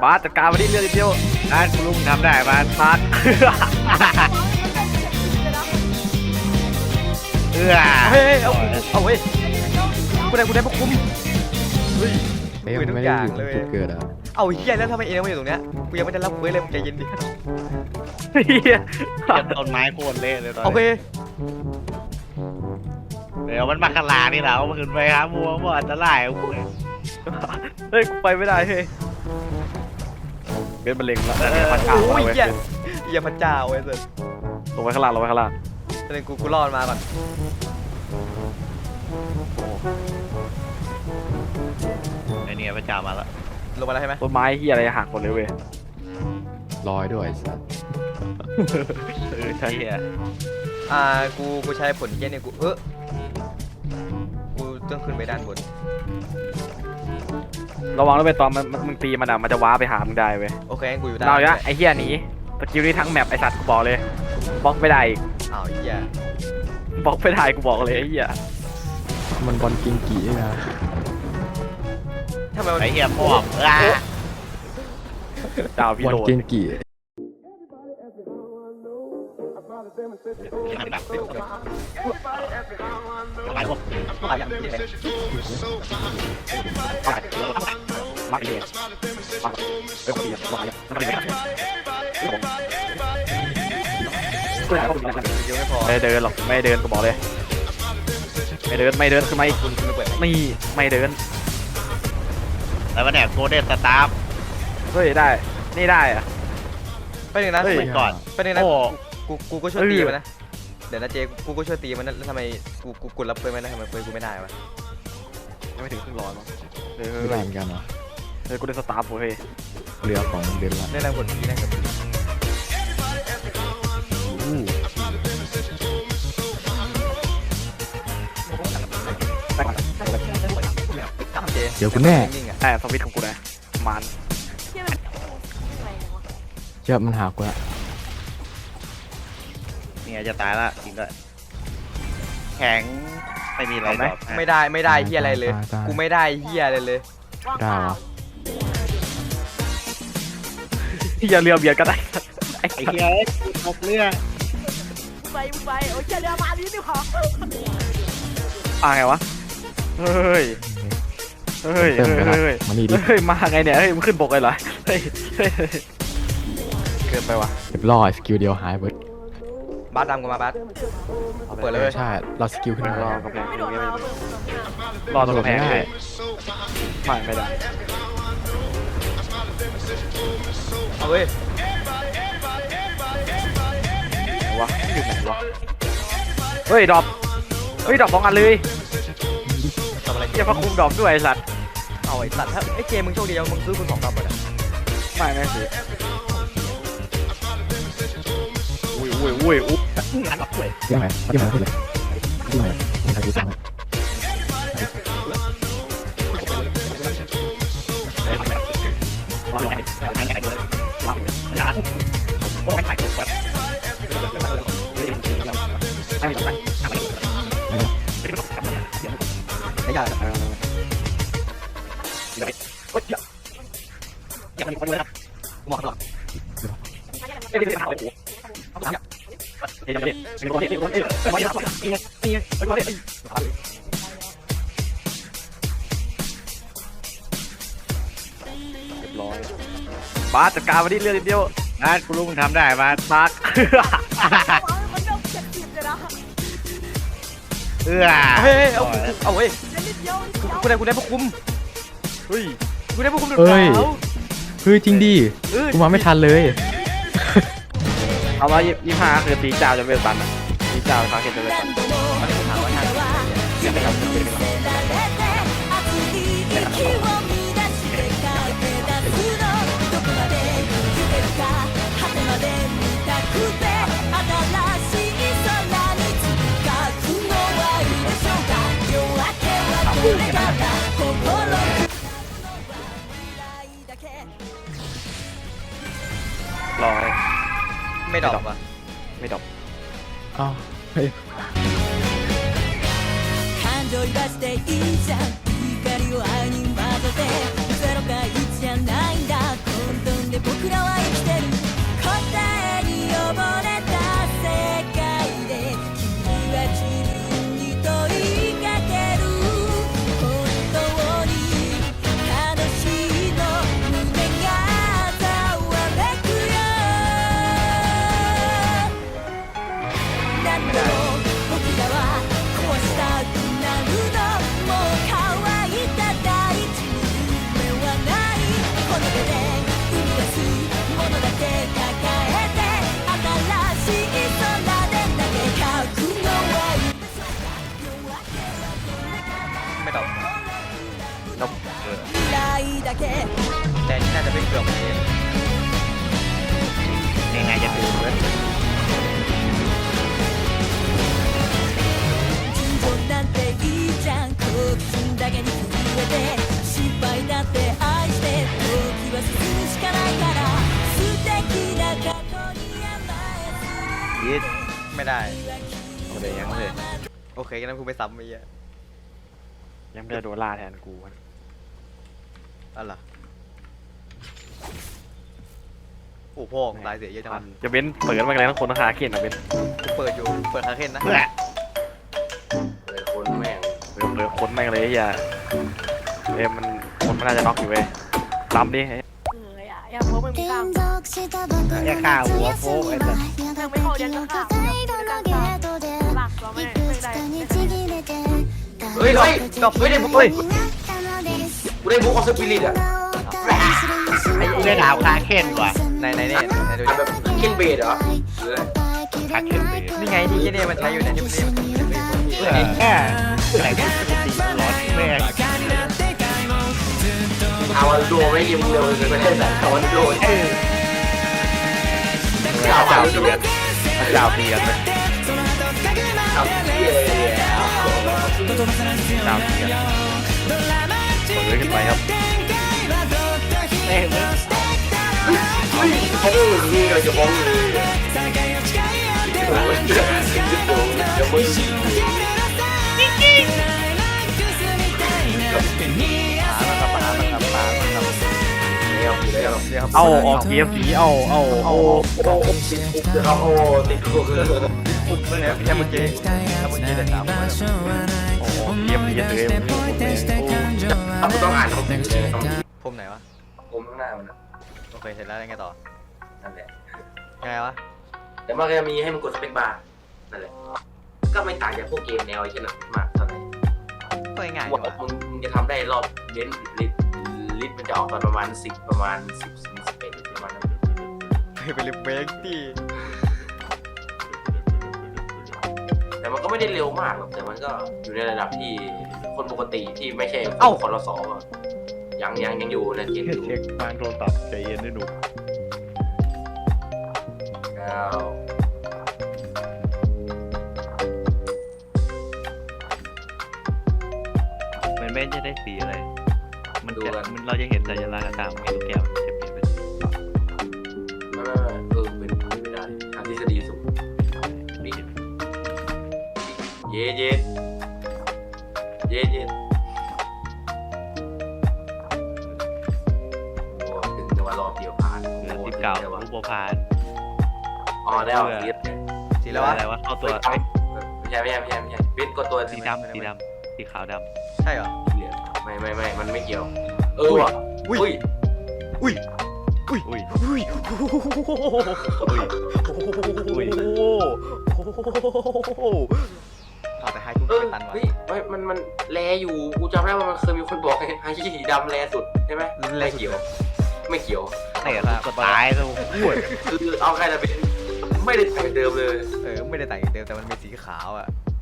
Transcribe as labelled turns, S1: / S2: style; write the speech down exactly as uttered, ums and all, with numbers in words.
S1: าสจัดการมาดิเรื่องเดียว
S2: อ่ะคุณลุงทำได้มา
S1: พาส
S2: เอื้อ
S1: เฮ้ยเอาเอาเว้ยกูได้กูได้พวกคุ้มเฮ้ย
S3: เฮ้ยมันไม่ได้อยู่ตรงจุดเกิดอ่ะ
S1: เอาเฮียแล้วทำไมเองมาอยู่ตรงเนี้ยกูยังไม่ได้รับเว้ยเลยมึงใจเย็นดิ
S2: เฮียต้นไม้โค่นเละเลยตอนนี้
S1: โอเค
S2: เดี๋ยวมันมาขลานี่เรามันขึ้นไปครับมัวมัวอันตราย
S1: เฮ้ยกูไปไม่ได้เฮ้ยเป็นมะเร็งแล้วพระเจ้าเว้ยเฮียพระเจ้าเว้ยเสร็จลงไปข้างล่างลงไปข้างล่างตอนนี้กูกูรอดมาก่อน
S2: ไอเนี่ยพระเจ้ามาแล้ว
S1: ลงมาแล้วใช่ไหมต้นไม้เฮียอะไรหักหมดเลยเว้ย
S3: ลอยด้วยสัส
S2: เออใช่
S1: อ่ากูกูใช้ผลเฮียเนี่ยกูเออกูต้องขึ้นไปด้านบนระวังแล้วไปตอนมันมึงตีมันอ่ะมันจะว้าไปหามึงได้เว้ยโอเคกูอยู่ด้านเราเนี่ยไอ้เฮียหนีสกิลนี้ทั้งแมปไอ้สัตว์กูบอกเลยบล็อกไม่ได้อีกอ้าวเฮียบล็อกไม่ได้กูบอกเลยไอ้เฮีย
S3: มันบอลกิงกี่นะ
S1: ทำไม
S2: ไอ้เฮียพ่อ
S1: ดาวพี่โดน
S3: บอลกิงกี่
S1: มาพวกมาอย่างนี้เลยมาเลยมาไปคุยกันมาอย่างมาเลยไม่เดินหรอกไม่เดินกูบอกเลยไม่เดินไม่เดินคือไม่ไม่ไม่เดิน
S2: แล้วมันเนี่ยโกลเด้นสตาร์ฟ
S1: เฮ้ยได้นี่ได้อะไปหนึ่งนะ
S2: ไปก่อน
S1: ไปหนึ่งนะกูกูก็ช่วยตีมันนะเดี๋ยวนะเจกูก็ช่วยตีมันแล้วทำไมกูกูกดรับเพื่อนไม่ได้ทำไมเพื่อนกูไม่ได้วะยังไม่ถึงครึ่งร้อยมั้ง
S3: ไม่ได้เหมือนกันเหรอ
S1: เฮ้ยกูได้สตาร์ฟเฮ้ย
S3: เรือของเดนละ
S1: ได้แรงกดทีแรงกด
S3: เดี๋ยวกูแน่
S1: แต่สวิตของกูนะมัน
S3: เชื่อมันหากูละ
S2: เนี่ยจะตายละจริงด้วยแข็งไม่มีอะไร
S1: ไหมไม่ได้ไม่ได้เฮียอะไรเลยกูไม่ได้เฮียอะไรเลย
S3: ได้เหรอ
S1: อย่าเรือเบียดก็ได้
S2: ไอ้เฮียตกเรือ
S4: ไปไปโอ้ยเรือมาดินี่ขอ
S1: อ่าไงวะเฮ้ยเฮ้ยเฮ้ยเฮ้ย
S3: มานี่ดิ
S1: เฮ้ยมาไงเนี่ยเฮ้ยมันขึ้นบกเลยเหรอเฮ้ยเกินไปวะ
S3: เรียบร้อยสกิลเดียวหายเบิร์ด
S1: บาสดำกูมาบาสเปิดเลย
S3: ใช่เราสกิลขึ้น
S1: รอกระแพงรอตรงกระแพงได้ไม่ไม่ได้เอาเว้ยวะอยู่ไหนวะเฮ้ยดรอปเฮ้ยดรอปสองอันเลยทำอะไรเจ้าพระคุมดรอปด้วยไอ้สัตว์เอาไอ้สัตว์ถ้าไอ้เจมึงโชคดีมึงซื้อคุณสองดรอปเลยไม่ไม่สิอุ้ยอุ้ยอุ้ยอุ้ยงานดรอปเลย
S3: ยังไงยังไงเลยยังไงยังไงกูสั่ง
S1: ไม่ยากยังมีคนเลยนะหมดหรอกไม่ได้ไปหาเลยโอ้โหเฮ้ยยังไม่ได้เป็นคนที่เป็นคนที่ไม่ได้ทำอะไรนี่นี่เป็นคนที่เรียบร้อยบาสจัดการมาดิเรื่องเดียว
S2: นะคุณลุงทำได้มา
S1: พัก
S2: เอื้อ
S1: เฮ้ยเอาเอาเฮ้ยกูได้กูได้พวกคุ้มเฮ้ยกูได้พวกคุ้มหรือเปล่า
S3: เฮ้ยจริงดิกูมาไม่ทันเลย
S1: เอาว่ายี่ห้าคือตีเจ้าจะเป็นตันอ่ะตีเจ้าเขาเห็นจะเป็นตันมันถามว่าทางเดี๋ยวไปทำเป็นเป็นรอไม่ดรอปอ่ะไม่ดรอป
S3: อ้าวเฮ้ย
S4: 光を愛に混ぜてゼロかいちじゃないんだ
S5: で僕らは生きてる答えに溺れた世界で君は自分に問いかける本当に楽しいの胸がざわめくよ何度も僕らは壊したくなるのもう乾いた大地に夢はないこの手で生み出すものだけ抱えて新しい空で投げかくのはいい
S2: ไม่ตอบนกเออ
S5: 未来だけ
S2: แต่นี่น่าจะเป็นเกือบเองยังไงจะดูเว้ย
S5: 尋常なんていいじゃん好奇心だけに震えて失敗だって愛して時は進むしかないから素敵な過去に甘えすぎ
S2: ยีดไม่ได้
S1: โอเคยังเลย
S2: โอเคงั้นกูไปซ้ำมีอ่ะ
S1: ยังไม่ได้โดนล่าแทนกูมัน
S2: อะไรโอ้พ่อตายเสียเยอะจังวะ
S1: จะเบ้นเปิดมาไงทั้งคนทั้งคาเคนอ่ะเบ้น
S2: กูเปิดอยู่เปิดคาเคนนะ
S6: เลยคนแม่ง
S1: เรือเรือคนแม่งเลยไอ้เหี้ยเอ้ยมันคนมันน่าจะน็อกอยู่เว้ยล้ำดิ
S4: เอออย่าอย่าเพราะมันมีกล้าม
S2: แค่ข่าวหัวโฟกไอ้สัส
S4: ยังไม่เข้าเดือนก็ข้ามหลักเราไม่ไม่ได้ไม่ได้
S6: เฮ้ยเฮ้ยจบเฮ้ยได้บุ๊กเฮ้ยกูได้บุ๊กออฟสปิริตอ่ะ
S2: ไอ้เรื่องหาวคาเคนว่ะในในนี่ในดู
S6: ทำแบบเคนเบดเหรอหรืออะไร
S2: คาเคนเลยนี่ไงที่เนี่ยมันใช้อยู่ในที่นี่แค่ไหนก็ตีร้อนแม่ง
S6: อาวันโดไม่ยิ้มเร็วเลยไม่ได้แต่อาวันโด
S2: เออ
S6: เจ้า
S2: เจ้า
S6: เจ้า
S2: เปียกเจ้าเปียกเลย
S6: เจ้าเย้
S2: เจ้าเปียก
S1: เปิดขึ้นไปครับ
S2: เอ้ยมึง
S6: เฮ้ยเขาพูดนี่เราจะมองเลยเดี๋ยวมึง
S2: หามันกับหามันกับหามันกับ
S6: เดี๋ยวเดี๋ยวเดี๋ยว
S1: เอาออกเกียร์สีเอาเอาเอา
S6: โอ้โหเขาโอ้ติดคุกเลย
S2: ปุ๊บเมื่อไหร่แค่เมื่อกี้ถ้าเมื่อกี้ได้สามคน
S1: โอ้เกียร์สีเสือ
S6: เราต้องอ่านของผมเลยต้อง
S2: ผมไหนวะ
S6: ผมข้างหน้ามันนะ
S2: โอเคเสร็จแล้วยังไงต่อ
S6: นั่นแหละ
S2: ยังไงวะ
S6: แต่มันก็จะมีให้มันกดสเปคบาร์นั่นแหละก็ไม่ต่างจากพวกเกมแนวไอ้เช่นนั้นมากเท่าไหร่
S2: ก็ง่ายๆ
S6: ว่า
S2: วะ
S6: มึงมึงจะทำได้รอบเน้นลิตลิตมันจะออกตอนประมาณสิบประมาณสิบสิบสิบเอ็ดประมาณนั้น
S2: ไปเลยเบรกที่
S6: แต่มันก็ไม่ได้เร็วมากหรอกแต่มันก็อยู่ในระดับที่คนปกติที่ไม่ใช่คนรสอยังยังยังอยู่ในเกณฑ์อยู่
S2: เช็คทางโทรศัพท์ใจเย็นด้วยหนู
S6: แล้ว
S7: มันไม่จะได้สีอะไร มันจะมันเราจะเห็นสัญลักษณ์ต่างๆมีลูกแก้วมันจะเปลี่ยนเป็น
S6: ไม่ไม่ไม่เออเป็นไม่ได้ทางทฤษฎีสูงนี่เย็ดเย็ดเย็ดเย็ดโอ้ถึงจะว่ารอบเดียวผ่าน
S7: เหลือสิบเก้ารูปโปรพาน
S6: อ๋อแล้วสี
S2: สีแล้ววะ
S7: อะไรวะเข้าตัว
S6: ไม่ใช่ไม่ใช่ไม่ใช่ไม่ใช่เบนก็ตัว
S7: สีดำสีดำสีขาวด
S2: ใช่เหรอ
S6: เหลืองไม่ไม่ไม่มันไม่เกี่ยวเออว่ะ
S2: อุ้ย
S6: อุ้ย
S2: อุ้ย
S7: ำอุ้ย
S2: อุ้ย
S7: อุ้ย อุ้ย
S2: เอาแต่ไฮทุก
S6: เออ
S2: ไม่ตันวะ
S6: เฮ้ยไม่มันมันแลอยู่กูจำได้ว่ามันเคยมีคนบอกไงไอ้สีดำแลสุดใช่ไหมไม่เกี่ยว ไม่เกี่ยว
S7: เตะก็ตายแล้วอ้วน
S6: คือเอาใครจะเป็นไม่ได้แต่งเดิมเลย
S2: เออไม่ได้แต่งเต็มแต่มันมีสีขาวอ่ะ